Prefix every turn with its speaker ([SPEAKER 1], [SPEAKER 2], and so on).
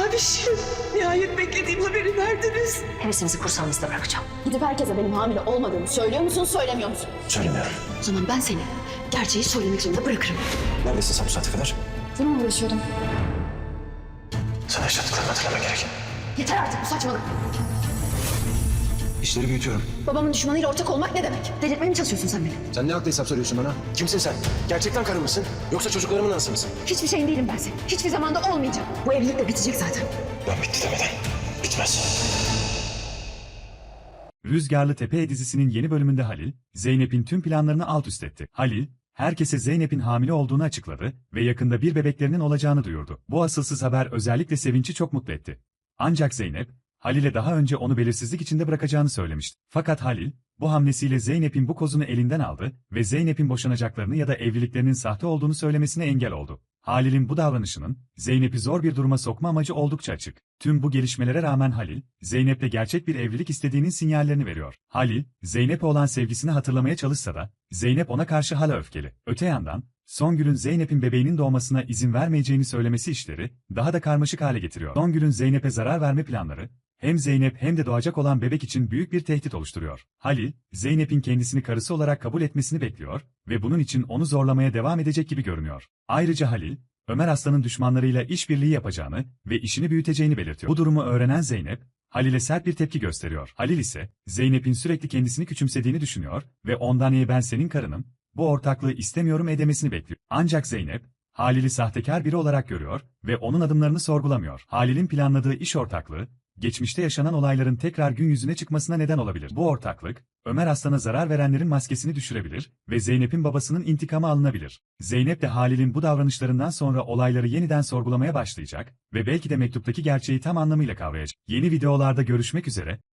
[SPEAKER 1] Mavişim, nihayet beklediğim haberi verdiniz.
[SPEAKER 2] Hevesinizi kursağınızda bırakacağım.
[SPEAKER 3] Gidip herkese benim hamile olmadığımı söylüyor musun, söylemiyor musun?
[SPEAKER 4] Söylemiyorum.
[SPEAKER 2] O zaman ben seni gerçeği söylemek zorunda bırakırım.
[SPEAKER 4] Neredesin sen bu saate kadar?
[SPEAKER 3] Bununla uğraşıyordum.
[SPEAKER 4] Sana yaşadıklarını hatırlaman gerek.
[SPEAKER 3] Yeter artık bu saçmalık.
[SPEAKER 4] İşleri büyütüyorum.
[SPEAKER 3] Babamın düşmanıyla ortak olmak ne demek?
[SPEAKER 2] Delirtmeye mi çalışıyorsun sen beni?
[SPEAKER 4] Sen ne haklı hesap soruyorsun bana? Kimsin sen? Gerçekten karın mısın? Yoksa çocuklarımın anası mısın?
[SPEAKER 3] Hiçbir şeyin değilim ben senin. Hiçbir zamanda olmayacağım.
[SPEAKER 2] Bu evlilik de bitecek zaten.
[SPEAKER 4] Ben bitti demeden bitmez.
[SPEAKER 5] Rüzgarlı Tepe dizisinin yeni bölümünde Halil, Zeynep'in tüm planlarını alt üst etti. Halil, herkese Zeynep'in hamile olduğunu açıkladı ve yakında bir bebeklerinin olacağını duyurdu. Bu asılsız haber özellikle Sevinç'i çok mutlu etti. Ancak Zeynep, Halil'e daha önce onu belirsizlik içinde bırakacağını söylemişti. Fakat Halil, bu hamlesiyle Zeynep'in bu kozunu elinden aldı ve Zeynep'in boşanacaklarını ya da evliliklerinin sahte olduğunu söylemesine engel oldu. Halil'in bu davranışının, Zeynep'i zor bir duruma sokma amacı oldukça açık. Tüm bu gelişmelere rağmen Halil, Zeynep'le gerçek bir evlilik istediğinin sinyallerini veriyor. Halil, Zeynep'e olan sevgisini hatırlamaya çalışsa da, Zeynep ona karşı hala öfkeli. Öte yandan, Songül'ün Zeynep'in bebeğinin doğmasına izin vermeyeceğini söylemesi işleri, daha da karmaşık hale getiriyor. Songül'ün Zeynep'e zarar verme planları, hem Zeynep hem de doğacak olan bebek için büyük bir tehdit oluşturuyor. Halil, Zeynep'in kendisini karısı olarak kabul etmesini bekliyor ve bunun için onu zorlamaya devam edecek gibi görünüyor. Ayrıca Halil, Ömer Aslan'ın düşmanlarıyla işbirliği yapacağını ve işini büyüteceğini belirtiyor. Bu durumu öğrenen Zeynep, Halil'e sert bir tepki gösteriyor. Halil ise, Zeynep'in sürekli kendisini küçümsediğini düşünüyor ve ondan ben senin karınım, bu ortaklığı istemiyorum demesini bekliyor. Ancak Zeynep, Halil'i sahtekar biri olarak görüyor ve onun adımlarını sorgulamıyor. Halil'in planladığı iş ortaklığı, geçmişte yaşanan olayların tekrar gün yüzüne çıkmasına neden olabilir. Bu ortaklık, Ömer Aslan'a zarar verenlerin maskesini düşürebilir ve Zeynep'in babasının intikamı alınabilir. Zeynep de Halil'in bu davranışlarından sonra olayları yeniden sorgulamaya başlayacak ve belki de mektuptaki gerçeği tam anlamıyla kavrayacak. Yeni videolarda görüşmek üzere,